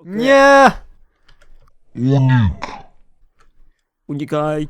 Nie! Unikaj.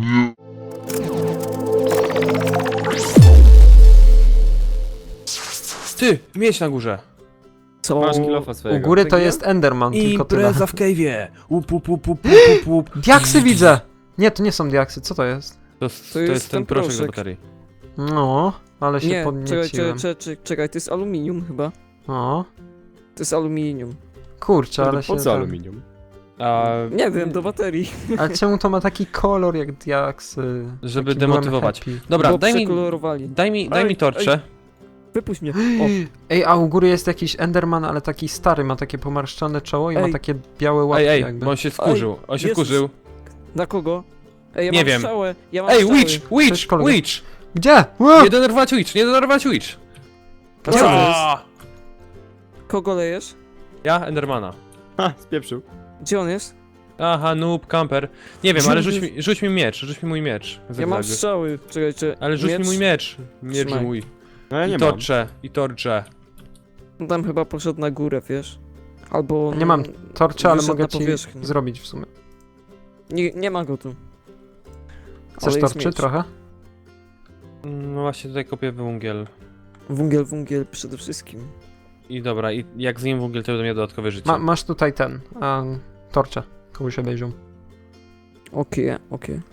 Ty, mieć na górze. Co? Masz kilofa U swojego. góry to jest Enderman, tylko tyle. Impreza w cave'ie. Łup, łup, łup, łup, łup, łup. Diaksy widzę! Nie, to nie są diaksy, co to jest? To jest ten proszek do baterii. No, ale się Nie, podnieciłem. czekaj, to jest aluminium chyba. O, To jest aluminium. kurczę, ale się... Po co tam- aluminium? A, Nie wiem, do baterii. Ale czemu to ma taki kolor jak diaksy? Żeby Taki demotywować. byłem happy. Dobra, Bo daj mi, przekolorowali. daj mi torcze. Wypuść mnie. O, Ej, a u góry jest jakiś Enderman, ale taki stary, ma takie pomarszczone czoło i ma Ej. takie białe łapki Ej, jakby. bo on się skurzył. On się Jezus. wkurzył. na kogo? Ej, ja Nie mam wiem. strzałę. Ja mam Ej, strzały. Witch! Cześć, kolego. Witch! Gdzie? Nie denerwować Witch! Nie denerwować Witch! Gdzie on jest? Aaa! Kogo lejesz? Ja? Endermana. Ha, spieprzył. Gdzie on jest? Aha, noob, camper. Nie wiem, Gdzie ale on rzuć mi miecz, rzuć mi mój miecz. Ja mam Zygzak. strzały. Czekajcie. Ale rzuć mi mój miecz. Miecz Trzymaj. mój. No ja nie I mam. torcze. On tam chyba poszedł na górę, wiesz? Albo... Nie mam torczy, ale wyszedł mogę na ci powierzchnię. zrobić w sumie. Nie ma go tu. Chcesz Ale jest torczy miecz. trochę? No właśnie tutaj kopię węgiel. Węgiel przede wszystkim. I dobra, i jak zjem węgiel, to będę miał dodatkowe życie. Masz tutaj ten, torcze. Komuś obejrzą. Okej.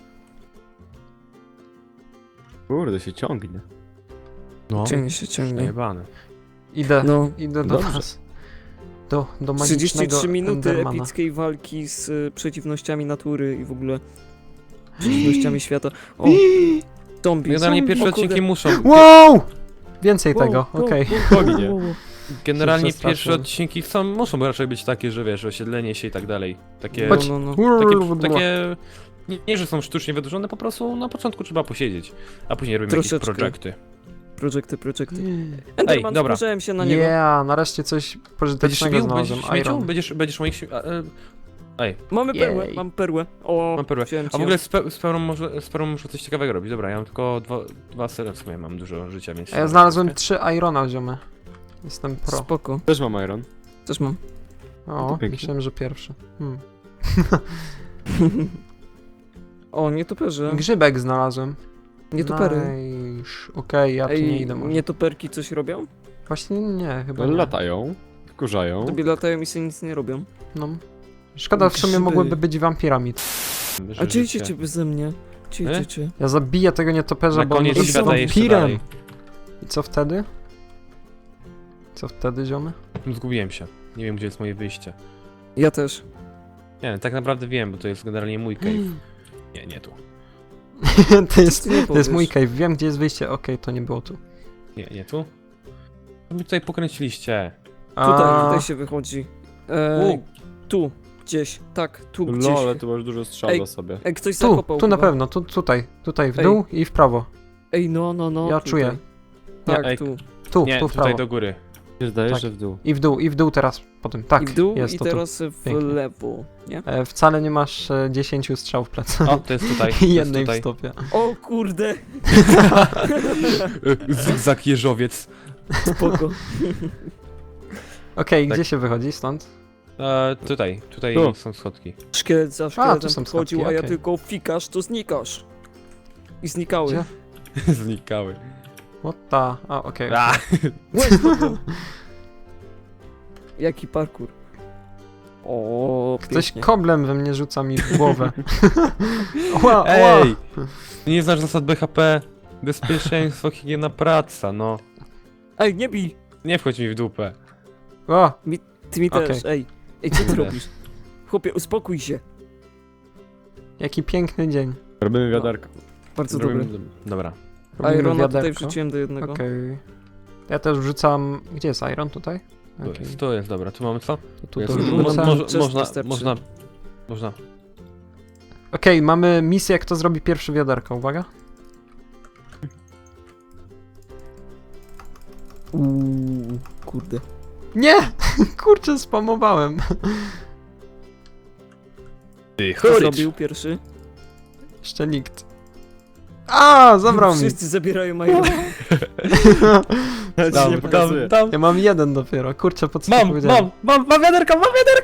Kurde, się ciągnie. No, Ciągnie. przejebane. Idę No. do Dobrze. was. Do magicznego 33 minuty Endermana. epickiej walki z przeciwnościami natury i w ogóle przeciwnościami świata. O, zombie. Generalnie pierwsze O kurde. odcinki muszą... Wow! Więcej Wow, tego, wow, okej. wow, Poginie. wow, wow. Generalnie Się przestraszyłem. pierwsze odcinki muszą raczej być takie, że wiesz, osiedlenie się i tak dalej. Takie... Chodź. No. Takie nie, że są sztucznie wydłużone, po prostu na początku trzeba posiedzieć, a później robimy jakieś Troszeczkę. projekty. Projekty. Enderman, dobra. spojrzałem się na niego. Yeah, nareszcie coś Będziesz pożytecznego śmiał? znalazłem. Będziesz śmiecią? Iron. Będziesz moich Ej, Mamy perłę, Jej. mam perłę. O, mam perłę. wziąłem A ci w ją. ogóle z perłą muszę coś ciekawego robić. Dobra, ja mam tylko dwa sere w sumie, mam dużo życia, więc... A ja znalazłem 3 Irona, ziomy. Jestem pro. Spoko, Też mam iron. też mam. O, pięknie. myślałem, że pierwszy. O, nietoperze. Grzybek znalazłem. Nietopery. Nice. Okej, ja tu nie idę może. nietoperki coś robią? Właśnie nie, chyba nie. Latają, wkurzają. Tobie latają i sobie nic nie robią. No. Szkoda, w sumie Grzyby. mogłyby być wampirami. A czy idziecie beze mnie? Czy? Ja zabiję tego nietoperza, Na bo on koniec jest świata jeszcze wampirem. dalej. I co wtedy? Co wtedy, ziomy? Zgubiłem się. Nie wiem, gdzie jest moje wyjście. Ja też. Nie, tak naprawdę wiem, bo to jest generalnie mój cave. Nie tu. to nie jest mój powiesz? cave. Wiem, gdzie jest wyjście. Okej, to nie było tu. Nie tu? Co mi tutaj pokręciliście? Tutaj się wychodzi. U. Tu, gdzieś. Tak, tu gdzieś. No, ale tu masz dużo strzał Ej. za sobie. Ej, ktoś Tu, zakopał tu na chyba. pewno. Tutaj w Ej. dół i w prawo. Ej, no. Ja tutaj. czuję. Tak, Ej, tu. Tu, Nie, tu w tutaj prawo. do góry. Mi się zdaje, Tak. że w dół. I w dół teraz potem. Tak, I w dół jest i to teraz w Pięknie. lewo, nie? tu. Wcale nie masz 10 strzał w plecach. O, to jest tutaj. To I jest jednej w tutaj. stopie. O kurde, Zygzak jeżowiec. spoko. Okej, Tak. gdzie się wychodzi stąd? Tutaj Tu. są schodki. Szkielet za tu szkieletem są podchodził, schodki, a ja okej. tylko fikasz, to znikasz. I znikały. Gdzie? Znikały. What the... A, okej. A, Jaki parkour. O, Ktoś pięknie. koblem we mnie rzuca mi w głowę. Ła, Ej! Nie znasz zasad BHP? Bezpieczeństwo, higiena, praca, no. Ej, nie bij! Nie wchodź mi w dupę. O, Ty mi też, Okej. Ej, co ty Kurde. robisz? Chłopie, uspokój się. jaki piękny dzień. Robimy wiaderko. Bardzo Robimy- dobry. Dobra. Robimy Irona tutaj wiaderko. wrzuciłem do jednego. Okej. Ja też wrzucam... Gdzie jest Iron? Tutaj? Tu Okej. jest, tu jest, dobra. Tu mamy co? Tu Jest. wrzucam. Można. Okej, mamy misję, kto zrobi pierwszy wiaderko. Uwaga. Kurde. Nie! Kurczę, spamowałem. Ty, Kto zrobił pierwszy? Jeszcze nikt. A, zabrał mi. Wszyscy zabierają Irona. Ja ci nie pokazuję. Ja mam jeden dopiero, kurczę, po co ci powiedziałem? mam wiaderko,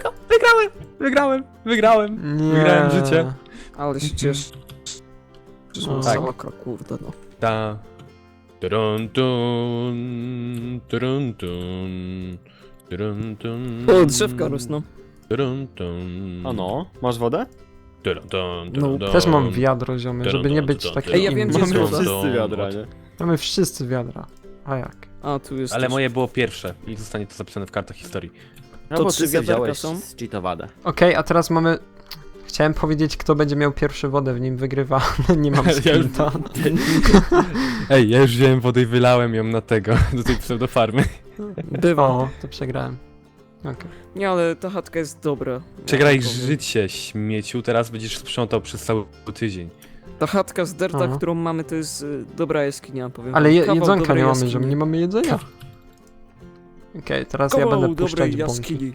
wygrałem. Nie. Wygrałem życie. Ale się cieszę. No. Tak. Masakra, kurde no. Ta. Turun, tun, turun, tun, turun, tun, O, drzewka rosną. turun, tun, A no, masz wodę? turun, tun, No, turun, Też mam tun. wiadro, ziomy, żeby nie być taki Ej, ja wiem, gdzie inny. jest Mamy woda. wszyscy wiadra, nie? Mamy wszyscy wiadra. A jak? A, tu jest Ale też. moje było pierwsze i zostanie to zapisane w kartach historii. No To bo 3 ty sobie wiaderka wziąłeś są? zcheatowadę. Okej, a teraz mamy... Chciałem powiedzieć, kto będzie miał pierwszy wodę, w nim wygrywa, ale nie mam Ja już- sprinta. Ej, ja już wziąłem wodę i wylałem ją na tego, do tej pseudofarmy. Bywa. O, to przegrałem. Okej. Nie, ale ta chatka jest dobra. Przegraj Ja powiem. życie, śmieciu, teraz będziesz sprzątał przez cały tydzień. Ta chatka z derta, Aha. którą mamy, to jest dobra jaskinia, powiem. Ale wam. Kawał jedzonka dobrej nie mamy, jaskini. że nie mamy jedzenia. Okej, teraz ja Kawał będę dobrej puszczać bąki. jaskini.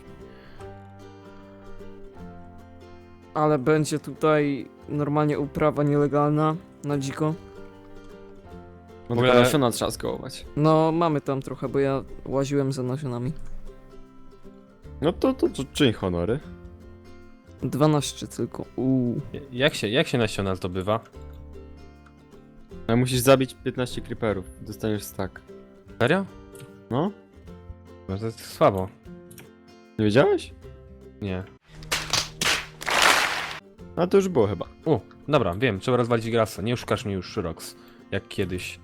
Ale będzie tutaj normalnie uprawa nielegalna, na dziko. No W tylko ogóle- nasiona trzeba skołować. No, mamy tam trochę, bo ja łaziłem za nasionami. No to czyń honory. 12 tylko. Jak się nasiona zdobywa? Ale musisz zabić 15 creeperów. Dostaniesz stack. Serio? No? No to jest słabo. Nie wiedziałeś? Nie. A to już było chyba. Dobra, wiem, trzeba rozwalić grasa. Nie oszukasz mnie już, Rox. Jak kiedyś.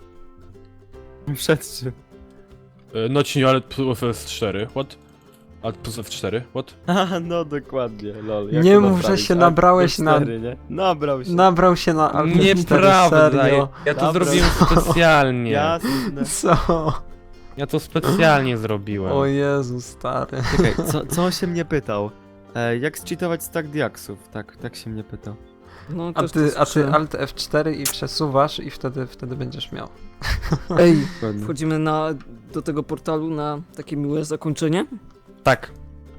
Przed czym? No ci nie, ale plus F4, what? A plus F4, what? A, no dokładnie, lol. Nie to mów, że naprawić? się A, nabrałeś na- F4, nie? Nabrał się. Nabrał się na Alpha 4, Nieprawda, serio. ja to Dobra. zrobiłem specjalnie. Jasne. Co? Ja to specjalnie zrobiłem. O Jezu, stary. Czekaj, co on się mnie pytał? Jak zcheatować stack diaksów? Tak się mnie pytał. No, A też ty to słyszałem. Alt F4 i przesuwasz i wtedy będziesz miał. Ej, Dokładnie. wchodzimy do tego portalu na takie miłe zakończenie. Tak.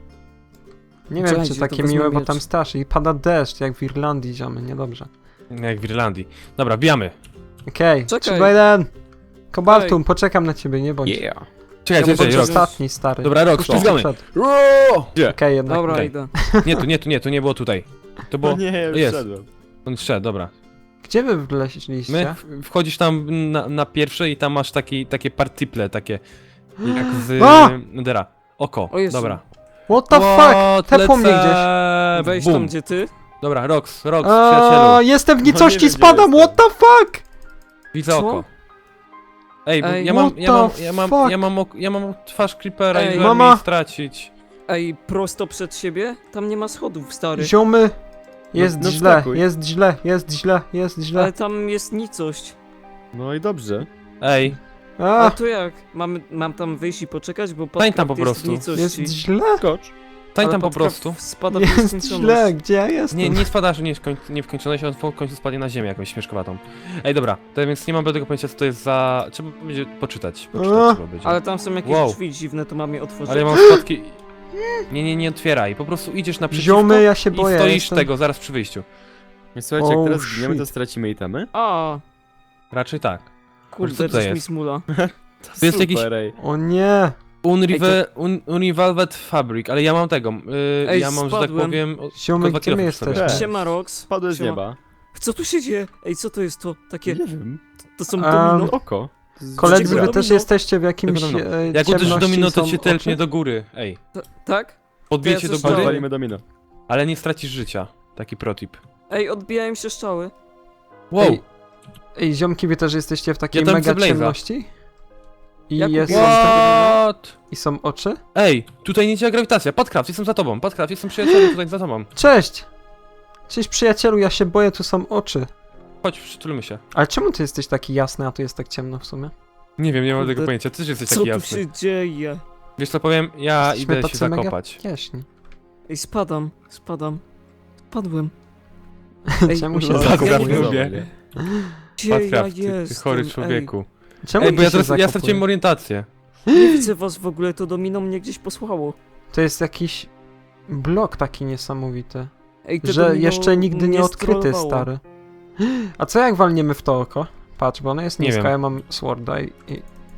Nie wiem, Czekajcie, czy to takie wezmę miłe, bo miecz. tam straszy i pada deszcz, jak w Irlandii, ziomy, niedobrze. Jak w Irlandii. Dobra, bijamy. Okej, Czekaj. 3, 2, 1. Kobaltum, poczekam na ciebie, nie bądź. Yeah. Czekaj, Ja czekaj, mogę Rox. coś- Ostatni, stary. Dobra, Rox, Puszczaj ścigamy. przed. Gdzie? Okej, jednak. Dobra, okej. idę. Nie, to nie było tutaj. To było... No nie, ja już jest. wszedłem. On wszedł, dobra. Gdzie wy wleźliście? My wchodzisz tam na pierwsze i tam masz takie partiple, takie jak z A! Nedera. Oko, O Jezu. dobra. What the fuck? Tepło mnie gdzieś. Wejdź Bum. tam, gdzie ty. Dobra, Rox, A, przyjacielu. jestem w No nie nicości, wiem, spadam, gdzie what the fuck? Widzę Co? oko. Ej, bo Ej, ja mam twarz creepera Ej. i Mama. mam jej stracić. Ej, prosto przed siebie? Tam nie ma schodów, stary. Ziomy, jest no źle, wskakuj. jest źle, jest źle, jest źle. Ale tam jest nicość. No i dobrze. Ej, A A, to jak? Mam tam wyjść i poczekać, bo Stań tam Podcraft po jest w prostu. nicości. jest źle, Skocz. stań Ale tam po Podcraft prostu. Spada w jest nieskończoność. źle, gdzie ja jestem? Nie spadasz, nie w końconość, on w końcu spadnie na ziemię jakąś śmieszkowatą. Ej, dobra, to więc nie mam tego pojęcia, co to jest za... Trzeba będzie poczytać. A. Trzeba będzie. Ale tam są jakieś Wow. drzwi dziwne, to mam je otworzyć. Ale ja mam spadki... Nie otwieraj, po prostu idziesz naprzeciwko Ziomy, ja się i boję, stoisz jestem... tego zaraz przy wyjściu. I słuchajcie, jak Oh, teraz zginiemy, to shit. stracimy itemy. A, Raczej tak. Co kurde, to coś mi jest? smula. To jest jakiś ej. O nie, Unrevolved Fabric, ale ja mam tego. Ej, Ja mam, że tak spadłem. powiem. ziomy, tylko 2 gdzie my kilo sobie. jesteśmy? Siema, Rox. Spadłeś z Siema. nieba. Co tu się dzieje? Ej, co to jest to? Takie, Nie wiem. to są A, domino. Oko. To jest Koledzy, Czego wy domino? też jesteście w jakimś Tego domino. Jak ciemności, uderzysz domino, to są cię telepnie oczy? do góry. Ej, Tak? podbije To ja cię do coś góry, dałem. Walimy domino. ale nie stracisz życia. Taki protip. Ej, odbijają się strzały. Wow! Ej, Ej, ziomki, wy też jesteście w takiej Ja tam mega chcę Blaze'a. ciemności? I Jak jest... ubiłeś What? I są oczy? Ej, tutaj nie działa grawitacja. Podcraft, jestem za tobą. Podcraft, jestem przyjacielem tutaj za tobą. Cześć! Cześć przyjacielu, ja się boję, tu są oczy. Chodź, przytulmy się. Ale czemu ty jesteś taki jasny, a tu jest tak ciemno w sumie? Nie wiem, nie mam Kurde, tego pojęcia. Ty też jesteś Co taki tu jasny. się dzieje? Wiesz co powiem? Ja Jesteśmy idę się tacy mega zakopać. jaśni. Ej, spadam. Spadłem. Ej, Czemu się ja nie zakopujesz? wiem. lubię. Gdzie ja Podcraft, ty jestem? chory Ej, człowieku. Czemu Ej, bo ty ja się teraz ja zakopujesz? straciłem orientację. nie widzę was w ogóle, to domino mnie gdzieś posłało. To jest jakiś blok taki niesamowity, Ej, to że domino jeszcze nigdy nie mnie odkryty, strollowało. stary. A co jak walniemy w to oko? Patrz, bo ono jest Nie nisko, wiem. ja mam sworda i...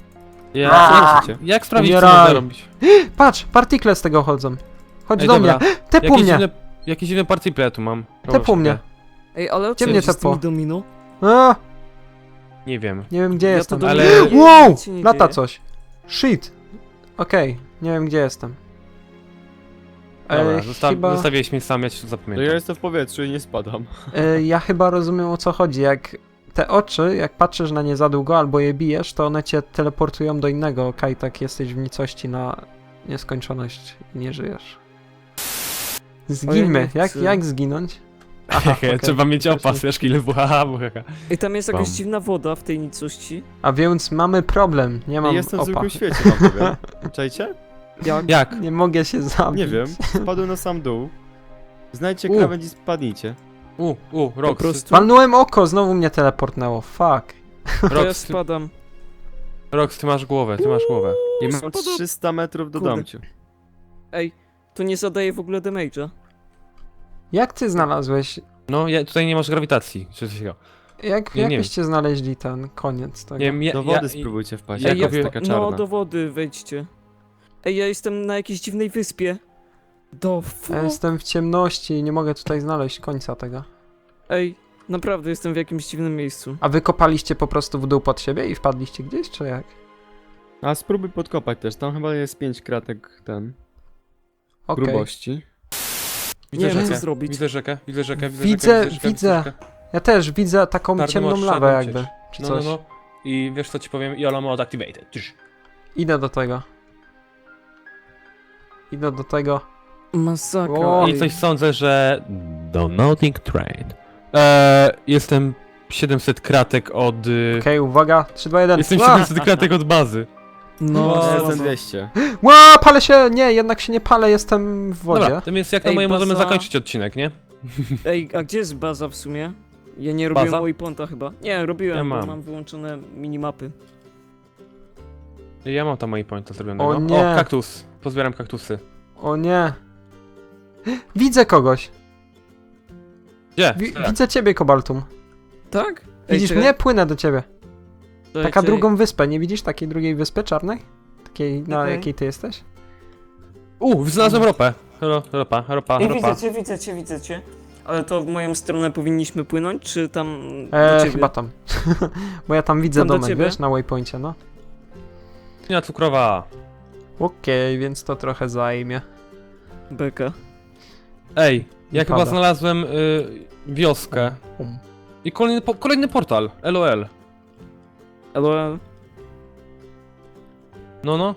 Jak sprawdzić, co Umieraj. można robić? Patrz, partikle z tego chodzą. Chodź Ej, do dobra. mnie. Tepł mnie. Jakieś dziwne partyple ja tu mam. Tepł mnie. Ej, ale o Gdzie co mnie chodzi z tepło? tymi domino? A, Nie wiem. nie wiem gdzie Ja to jestem. do Ale- mnie Wow! nic się nie Lata dzieje. coś. Shit. Okej, nie wiem gdzie jestem. Dobra, chyba, zostawiłeś mnie sam, ja ci to To zapamiętam. ja jestem w powietrzu i nie spadam. ja chyba rozumiem o co chodzi. Jak te oczy, jak patrzysz na nie za długo albo je bijesz, to one cię teleportują do innego kajtak, jesteś w nicości na nieskończoność i nie żyjesz. Zginmy. nie chcę. Jak zginąć? Aha, okej. Trzeba mieć Też opas, nie. wiesz, ile buhaha, buhaha. Ej, tam jest jakaś Bam. dziwna woda w tej nicości. A więc mamy problem. Nie mam Jestem w opa. zwykłym świecie, wam powiem. Czajcie? Jak? Nie mogę się zabić. Nie wiem. Spadłem na sam dół. Znajdźcie U. krawędź i spadnijcie. Rox, prostu. Walnąłem oko, znowu mnie teleportnęło. Fuck. To ja Rox, spadam. ty masz głowę, ty masz głowę. I mam Spadam. 300 metrów do Kurde. domciu. Ej, to nie zadaje w ogóle damage'a. Jak ty znalazłeś? No, tutaj nie masz grawitacji, czy coś takiego. Nie wiem. Jakbyście znaleźli ten koniec tego? Nie wiem, Do wody spróbujcie wpaść, ja jak kopię- jest taka czarna. No, do wody wejdźcie. Ej, ja jestem na jakiejś dziwnej wyspie. Ja jestem w ciemności i nie mogę tutaj znaleźć końca tego. Ej, naprawdę jestem w jakimś dziwnym miejscu. A wy kopaliście po prostu w dół pod siebie i wpadliście gdzieś, czy jak? A spróbuj podkopać też, tam chyba jest 5 kratek ten, Okej. grubości. Widzę Nie wiem, rzekę, co zrobić. widzę rzekę, widzę rzekę, Widzę. rzekę. Ja też widzę taką Bardzo ciemną masz lawę shadow jakby, przecież. czy No, coś. no. I wiesz co ci powiem? Yola mode activated. Tyż. Idę do tego. Idę do tego. Masakra. O, ej. I coś sądzę, że... Donating Train. Jestem 700 kratek od... Okej, uwaga. 3, 2, 1. Jestem Ła! 700 kratek od bazy. No, Ja Ja no, jestem no. 200. Ła, palę się! Nie, jednak się nie palę, jestem w wodzie. Dobra, tym jest jak na Ej, moje możemy baza- zakończyć odcinek, nie? Ej, a gdzie jest baza w sumie? Ja nie robiłem Baza? waypointa chyba. Nie, robiłem, Ja bo mam. mam wyłączone minimapy. Ja mam tam moje pointa zrobionego. O nie. O, kaktus. Pozbieram kaktusy. O nie. Widzę kogoś. Gdzie? Widzę ciebie, Kobaltum. Tak? Widzisz mnie? Płynę do ciebie. Czekaj, Taka czekaj. drugą wyspę, nie widzisz takiej drugiej wyspy czarnej? Takiej, na Okej. jakiej ty jesteś? Znalazłem ropę. Ropa. Ej, widzę cię. Ale to w moją stronę powinniśmy płynąć, czy tam do ciebie? Chyba tam. Bo ja tam widzę Tam do domek, ciebie? wiesz, na waypoincie, no. Ja cukrowa. Okej, więc to trochę zajmie. Beka. Ej, ja chyba Pada. znalazłem wioskę. I kolejny portal. LOL. Ale No.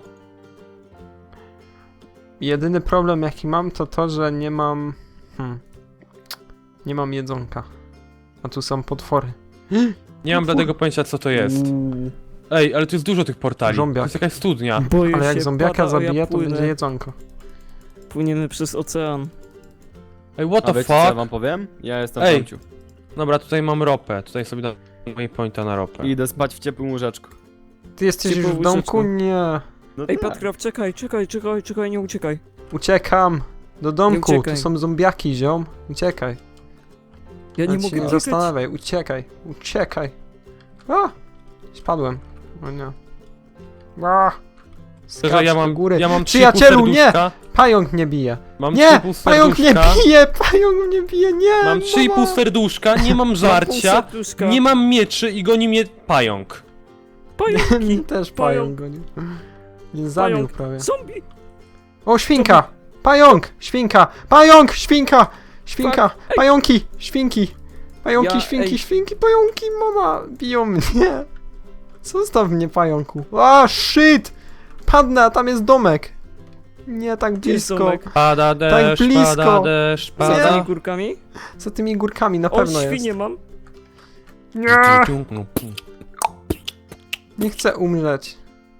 Jedyny problem jaki mam to to, że nie mam... Nie mam jedzonka. A tu są potwory. Nie mam żadnego pojęcia co to jest. Uuu. Ej, ale tu jest dużo tych portali. Zombiak. To jest jakaś studnia. boję Ale jak się, zombiaka pada, a ja zabije, to płynę. będzie jedzonko. Płyniemy przez ocean. Ej, what A the wiecie co ja fuck? wam powiem? Ja jestem w Ej. domciu. Dobra, tutaj mam ropę. Tutaj sobie dam moje pointa na ropę. I idę spać w ciepłym łóżeczku. Ty jesteś już Ciepłe w domku? łóżeczko. Nie. No Ej, tak. Patkraw, czekaj, nie uciekaj. Uciekam. Do domku, tu uciekaj. są zombiaki, ziom. Uciekaj. Ja nie Nawet się mogę nie uciekać. zastanawiaj, uciekaj. A! Spadłem. O nie. A! Szczerze, Skacz ja do mam, góry. ja mam 3,5 Przyjacielu, nie! serduszka. Pająk mnie bije. Mam Nie! 3,5 Pająk mnie serduszka. bije! Pająk mnie bije! Nie! Mam 3,5 mama! serduszka, nie mam Mam pół żarcia, serduszka. nie mam mieczy i goni mnie pająk. Pająki. Też Pająk. pająk gonił. Nie zabił Pająk. prawie. Zombie. O, świnka! Pająk! Świnka! Pająk! Świnka! Świnka! Ej. Pająki! Świnki! Pająki, Ja- świnki, ej. świnki, pająki! Mama! Biją mnie! Zostaw mnie, pająku! A, shit! Padnę, a tam jest domek! Nie tak Gdzie jest blisko! domek? Pada deszcz, blisko. pada deszcz, Z Nie. tymi pada... górkami? Za tymi górkami na O, pewno świnie jest. mam. Nie! Nie chcę umrzeć.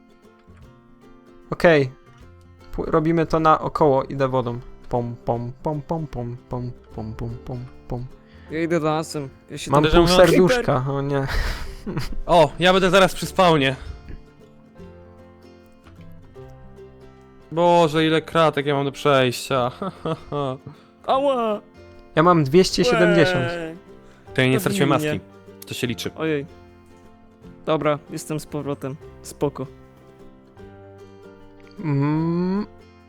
Okej. Robimy to naokoło, idę wodą. Pom, pom, pom, pom, pom, pom, pom, pom, pom, pom. Ja idę lasem. Ja się Mam tam... pół Creeper. serduszka, o nie. O, ja będę zaraz przy spawnie. Boże, ile kratek ja mam do przejścia. Ała! Ja mam 270. Łe. To ja nie To straciłem winnie. maski. To się liczy. Ojej. Dobra, jestem z powrotem. Spoko. Mm,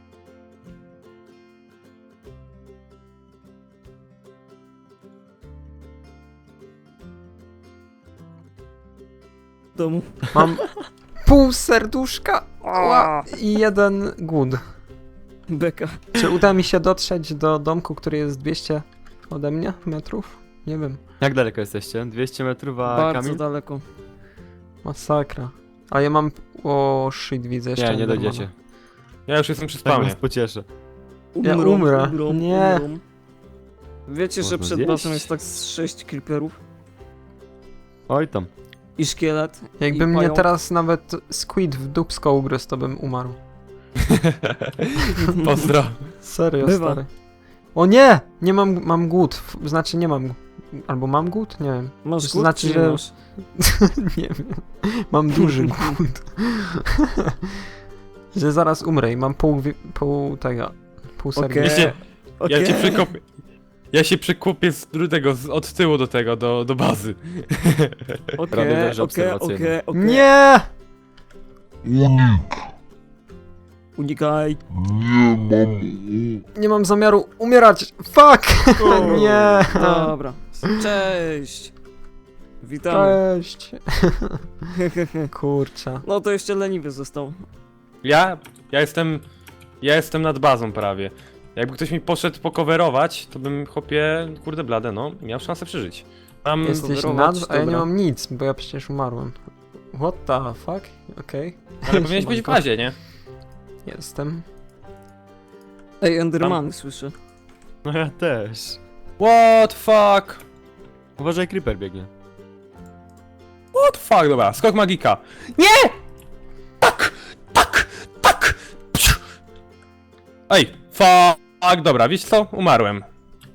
W domu. mam pół serduszka i 1 głód. Beka. Czy uda mi się dotrzeć do domku, który jest 200 ode mnie metrów? Nie wiem. Jak daleko jesteście? 200 metrów, a Bardzo Kamil? daleko. Masakra. A ja mam... O, shit, widzę jeszcze. Nie, nie Endermana. dojdziecie. Ja już jestem przy Tak spawnie. was pocieszę. Ja umrę. Nie. Umrą. Wiecie, że Można przed zjeść. basem jest tak z 6 creeperów Oj tam. i szkielet. Jakby i mnie pająk. teraz nawet squid w dupsko ugryzł, to bym umarł. Pozdro. Serio, Bywa. stary. O nie! Nie mam głód. Znaczy nie mam... Albo mam głód? Nie wiem. Masz To głód, znaczy, czy nie że- masz? Nie wiem. Mam duży głód. Że zaraz umrę i mam pół tego... Pół Okej. serduszka. Ja Okej. cię przykopię. Ja się przykupię od tyłu do tego, do bazy. Robię Okej, węże okej, obserwacyjne. okej. Nie! Unikaj. Nie mam zamiaru umierać! Fuck! Nie! Dobra. Cześć. Witamy. Cześć! Kurczę. No to jeszcze leniwy został. Ja jestem nad bazą prawie. Jakby ktoś mi poszedł pokowerować, to bym, chłopie, kurde blade, no, miał szansę przeżyć. Mam... Jesteś coverować, nad, a ja nie dobra. mam nic, bo ja przecież umarłem. What the fuck? Okej. Ale powinieneś być w bazie, nie? Jestem. Ej, Enderman słyszę. No ja też. What fuck? Uważaj, creeper biegnie. What fuck, dobra, skok magika. Nie! Tak! Tak! Tak! Psiu! Ej, fuck, dobra, wiesz co? Umarłem.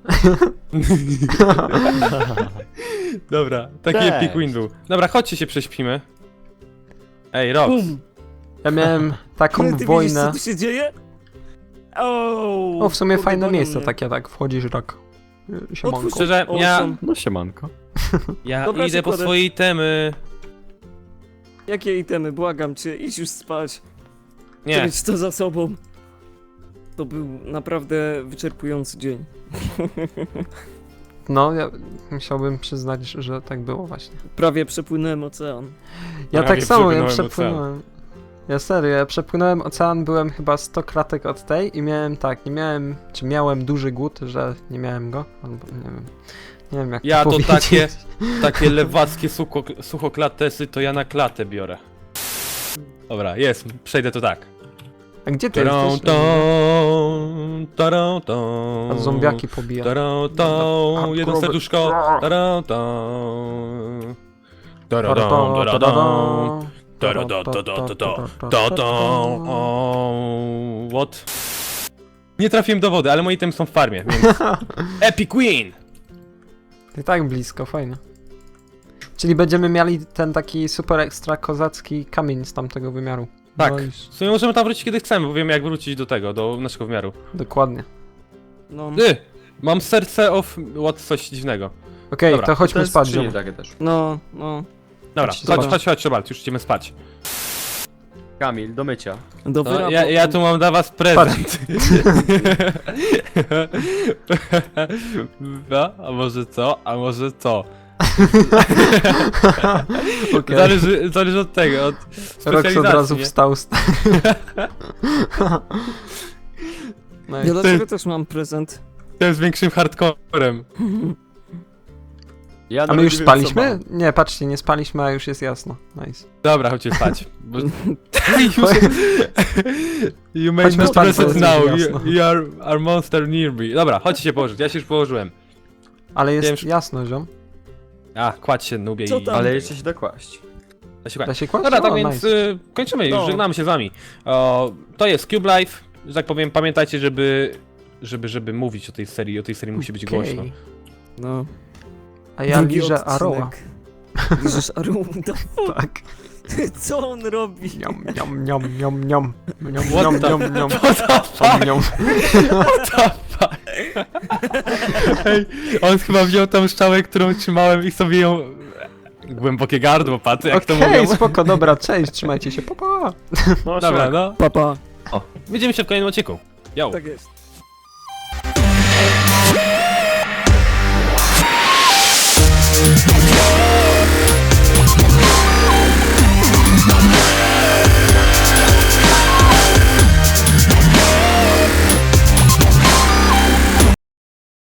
Dobra, taki Cześć. epic win był. Dobra, chodźcie się prześpimy. Ej, Rox. Bum! Ja miałem taką Ty widzisz, wojnę. co tu się dzieje? O, O, w sumie kurde, fajne gonią miejsce mnie. takie, tak, wchodzisz rak. Siemanko. Otwórz- Szczerze, O, ja, są- No siemanko. ja Dobra, idę po przykłady. swoje itemy. Jakie itemy? Błagam cię, idź już spać. Nie, Mieć to za sobą. To był naprawdę wyczerpujący dzień. No, ja musiałbym przyznać, że tak było właśnie. Prawie przepłynąłem ocean. Ja Prawie tak samo, ja przepłynąłem przepłynąłem. Ja serio, ja przepłynąłem ocean, byłem chyba 100 kratek od tej i miałem tak, nie miałem, czy miałem duży głód, że nie miałem go, albo nie wiem. Nie wiem jak Ja to powiedzieć. takie lewackie suchoklatesy to ja na klatę biorę. Dobra, jest, przejdę to tak. A gdzie ty Tarą, jesteś? tą, tarą, tą. A zombiaki pobija. Tarą, tą, A, jedno krowy. serduszko. Tarą, tą. Tarą, tarą, tarą, tarą, tą. What? Nie trafiłem do wody, ale moje itemy są w farmie, więc... Epic win! I tak blisko, fajnie. Czyli będziemy mieli ten taki super ekstra kozacki kamień z tamtego wymiaru. Tak. No i W sumie możemy tam wrócić kiedy chcemy, bo wiemy jak wrócić do tego, do naszego wymiaru. dokładnie. No, Mam serce of... what, coś dziwnego. Okej, Dobra, to chodźmy jest spać, skrzynie ziom. takie też. no. Dobra, Chodź, chodź, Robert, już idziemy spać. Kamil, do mycia. Do No, wyrabu. ja tu mam dla was prezent. No, a może co? A może co? Okej. Zależy od tego, od Rox od razu specjalizacji, nie? wstał. No Ja i dla ciebie też mam prezent. Tym z większym hardcorem. Ja a my nawet już nie wiem, co spaliśmy? mam. Nie, patrzcie, nie spaliśmy, a już jest jasno. Nice. Dobra, chodźcie spać. Bo... You made Chodźmy me spać, bo present jest now, już jasno. you are monster near me. Dobra, chodźcie się położyć, ja się już położyłem. Ale jest Wiem, jasno, ziom. A, kładź się, nubie Co i... tam? Ale jeszcze się dokłaść. Da się kładź. Da się kłaść? Dobra, tak O, więc nice. kończymy już, No. żegnamy się z wami. To jest Cube Life, że tak powiem, pamiętajcie, żeby mówić o tej serii musi być Okej. głośno. No. A ja Drugi liżę odcinek. Aroa. Liżesz Aroa? Tak. Co on robi? Niam, niam, niam, niam, niam. Niam, What niam, the- niam, niam. What the fuck? Niam. What the fuck? Ej, on chyba wziął tą szczałę, którą trzymałem i sobie ją... Głębokie gardło, patrzę jak to Okej, mówią. spoko, dobra, cześć, trzymajcie się, pa, pa. No, Dobra, no. Papa. Widzimy się w kolejnym odcinku. Yo! Tak jest.